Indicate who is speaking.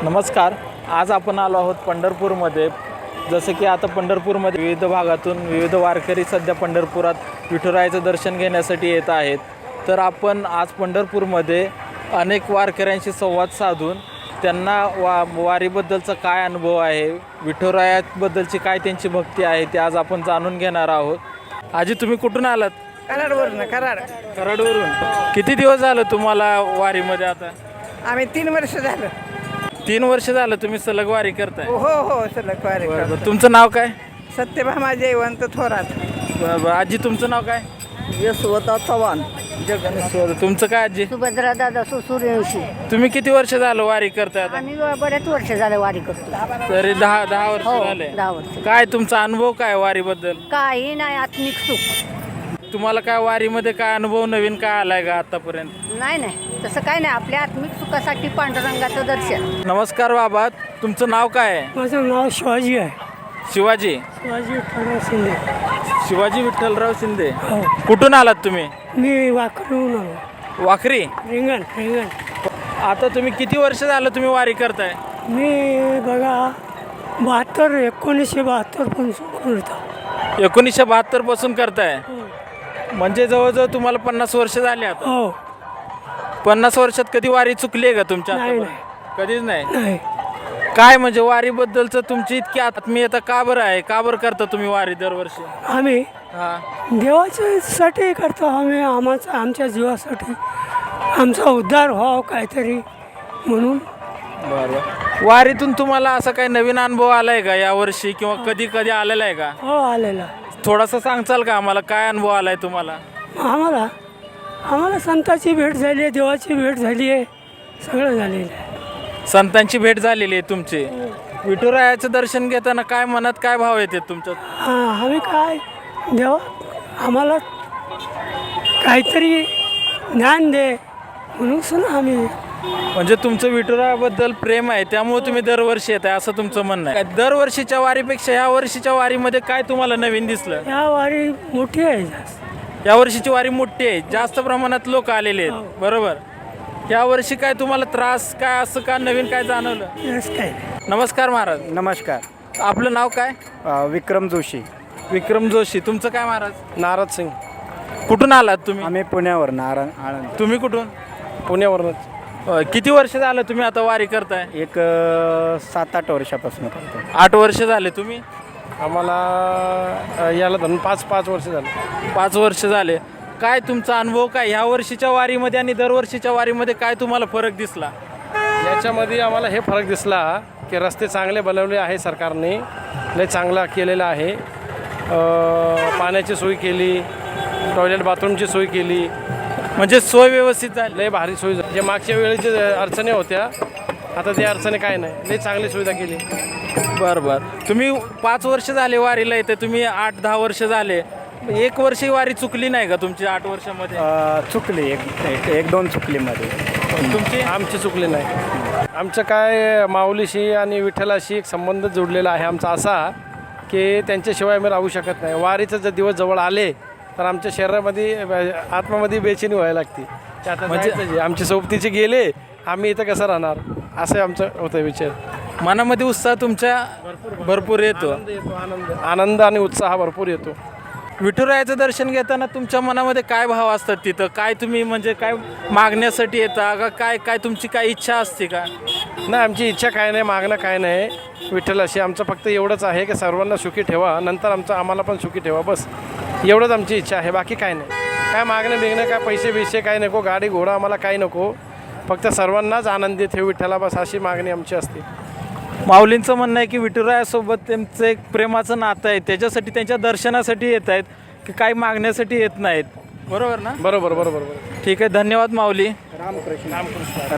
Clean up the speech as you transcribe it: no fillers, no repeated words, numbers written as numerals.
Speaker 1: नमस्कार. आज आपण आलो आहोत पंढरपूरमध्ये. जसं की आता पंढरपूरमध्ये विविध भागातून विविध वारकरी सध्या पंढरपुरात विठुरायाचं दर्शन घेण्यासाठी येत आहेत. तर आपण आज पंढरपूरमध्ये अनेक वारकऱ्यांशी संवाद साधून त्यांना वारीबद्दलचा काय अनुभव आहे, विठुरायाबद्दलची काय त्यांची भक्ती आहे ते आज आपण जाणून घेणार आहोत. आजी, तुम्ही कुठून आलात?
Speaker 2: कराडवरून.
Speaker 1: कराडवरून. किती दिवस झालं तुम्हाला वारीमध्ये? आता
Speaker 2: आम्ही 3 वर्ष झालं.
Speaker 1: 3 वर्ष झालं तुम्ही सलग वारी करताय?
Speaker 2: हो सलग वारी करतो.
Speaker 1: तुमचं नाव काय?
Speaker 2: सत्यभामा जयवंत थोरात.
Speaker 1: आजी, तुमचं नाव काय?
Speaker 2: यशवंत चव्हाण.
Speaker 1: तुमचं काय आजी?
Speaker 3: सुभद्रा दादा सूर्यवंशी.
Speaker 1: तुम्ही किती वर्ष झालं वारी करताय आता?
Speaker 3: आम्ही बऱ्याच वर्ष झालं वारी करतो.
Speaker 1: तरी 10 वर्ष
Speaker 3: हो,
Speaker 1: झाले.
Speaker 3: 10 वर्ष.
Speaker 1: काय तुमचा अनुभव काय वारीबद्दल?
Speaker 3: काही नाही, आत्मिक सुख.
Speaker 1: तुम्हाला काय वारीमध्ये काय अनुभव नवीन काय आलाय का आतापर्यंत?
Speaker 3: नाही तसं काय नाही. आपल्या आत्मिक सुखासाठी पांडुरंगाचं दर्शन.
Speaker 1: नमस्कार बाबा, तुमचं नाव काय आहे?
Speaker 4: माझं नाव शिवाजी आहे.
Speaker 1: शिवाजी
Speaker 4: विठ्ठलराव शिंदे.
Speaker 1: शिवाजी विठ्ठलराव शिंदे.
Speaker 4: हो.
Speaker 1: कुठून आलात तुम्ही?
Speaker 4: मी वाकडून आलो.
Speaker 1: वाखरी.
Speaker 4: रिंगण.
Speaker 1: आता तुम्ही किती वर्ष झालं तुम्ही वारी करताय?
Speaker 4: मी बघा 1972 पासून करतो.
Speaker 1: 1972 पासून करताय? म्हणजे जवळजवळ तुम्हाला 50 वर्ष झाले आता.
Speaker 4: हो.
Speaker 1: 50 वर्षात कधी वारी चुकली आहे का तुमच्या?
Speaker 4: नाही.
Speaker 1: कधीच नाही.
Speaker 4: नाही.
Speaker 1: काय म्हणजे वारीबद्दलचं तुमची इतकी आत्मीयता का बरं आहे? का बरं करता तुम्ही वारी दरवर्षी?
Speaker 4: आम्ही
Speaker 1: हा.
Speaker 4: देवाच्यासाठी करतो. आम्ही आमच्या जीवासाठी आमचा उद्धार व्हावा काहीतरी म्हणून.
Speaker 1: बरं. वारीतून तुम्हाला असा काही नवीन अनुभव आलाय का यावर्षी, किंवा कधी आलेला आहे का?
Speaker 4: हो, आलेला.
Speaker 1: थोडासा सांगचाल का आम्हाला, काय अनुभव आलाय तुम्हाला?
Speaker 4: आम्हाला संताची भेट झाली आहे, देवाची भेट झाली आहे, सगळं झालेलं आहे.
Speaker 1: संतांची भेट झालेली आहे तुमची. विठुरायाचं दर्शन घेताना काय मनात काय भाव येते तुमच्यात?
Speaker 4: आम्ही काय देवा आम्हाला काहीतरी ज्ञान दे म्हणून सुद्धा आम्ही.
Speaker 1: म्हणजे तुमचं विठुरायाबद्दल प्रेम आहे त्यामुळे तुम्ही दरवर्षी येत आहे असं तुमचं म्हणणं आहे? दरवर्षीच्या वारीपेक्षा या वर्षीच्या वारीमध्ये काय तुम्हाला नवीन दिसलं?
Speaker 4: या वारी मोठी आहे जास्त.
Speaker 1: या वर्षीची वारी मोठी आहे, जास्त प्रमाणात लोक आलेले आहेत. बरोबर. या वर्षी काय तुम्हाला त्रास काय असं का नवीन काय जाणवलं?
Speaker 4: काय.
Speaker 1: नमस्कार महाराज.
Speaker 5: नमस्कार.
Speaker 1: आपलं नाव काय?
Speaker 5: विक्रम जोशी.
Speaker 1: विक्रम जोशी. तुमचं काय महाराज?
Speaker 5: नारद सिंग.
Speaker 1: कुठून आलात तुम्ही?
Speaker 5: आम्ही पुण्यावर आनंद.
Speaker 1: तुम्ही कुठून?
Speaker 5: पुण्यावरूनच.
Speaker 1: किती वर्ष झालं तुम्ही आता वारी करताय?
Speaker 5: एक 7-8 वर्षापासून करतो.
Speaker 1: 8 वर्ष झाले. तुम्ही?
Speaker 5: आम्हाला याला धरून 5 वर्ष झाले.
Speaker 1: 5 वर्ष झाले. काय तुमचा अनुभव काय ह्या वर्षीच्या वारीमध्ये आणि दरवर्षीच्या वारीमध्ये काय तुम्हाला फरक दिसला?
Speaker 6: याच्यामध्ये आम्हाला हे फरक दिसला की रस्ते चांगले बनवले आहे सरकारने, लय चांगला केलेला आहे. पाण्याची सोय केली, टॉयलेट बाथरूमची सोय केली,
Speaker 1: म्हणजे सोय व्यवस्थित झाली.
Speaker 6: लय भारी सोय झाली. जे मागच्या वेळेचे अडचणी होत्या आता त्या अडचणी काय नाही, लय चांगली सुविधा केली.
Speaker 1: बरं. तुम्ही 5 वर्ष झाले वारीला येते, तुम्ही 8-10 वर्ष झाले. 1 वर्ष वारी चुकली नाही का तुमची 8 वर्षामध्ये?
Speaker 5: चुकली. एक 2 चुकलीमध्ये.
Speaker 1: तुमची?
Speaker 6: आमची चुकली नाही. आमचं काय माऊलीशी आणि विठ्ठलाशी एक संबंध जोडलेला आहे आमचा असा की त्यांच्याशिवाय आम्ही राहू शकत नाही. वारीचं जर दिवस जवळ आले तर आमच्या शरीरामध्ये आत्मामध्ये बेचैनी व्हायला लागते. आता म्हणजे आमच्या सोबतीचे गेले, आम्ही इथं कसं राहणार, असं आमचं होतं विचार.
Speaker 1: मनामध्ये उत्साह तुमच्या भरपूर येतो.
Speaker 6: आनंद आणि उत्साह भरपूर येतो.
Speaker 1: विठुरायाचं दर्शन घेताना तुमच्या मनामध्ये काय भाव असतात तिथं? काय तुम्ही म्हणजे काय मागण्यासाठी येता का? काय तुमची काय इच्छा असते का?
Speaker 6: नाही, आमची इच्छा काय नाही, मागणं काय नाही. विठ्ठलाशी आमचं फक्त एवढंच आहे की सर्वांना सुखी ठेवा, नंतर आम्हाला पण सुखी ठेवा, बस एवढंच आमची इच्छा आहे. बाकी काय नाही. काय मागणं बिगणं काय पैसे काय नको, गाडी घोडा आम्हाला काय नको, फक्त सर्वांनाच आनंदी ठेव विठ्ठला, बस अशी मागणी आमची असते.
Speaker 1: माऊलींचं म्हणणं आहे की विठुरायासोबत त्यांचं एक प्रेमाचं नातं आहे, त्याच्यासाठी त्यांच्या दर्शनासाठी येत आहेत की काही मागण्यासाठी येत नाहीत. बरोबर ना?
Speaker 6: बरोबर.
Speaker 1: ठीक आहे. धन्यवाद माऊली.
Speaker 5: रामकृष्ण.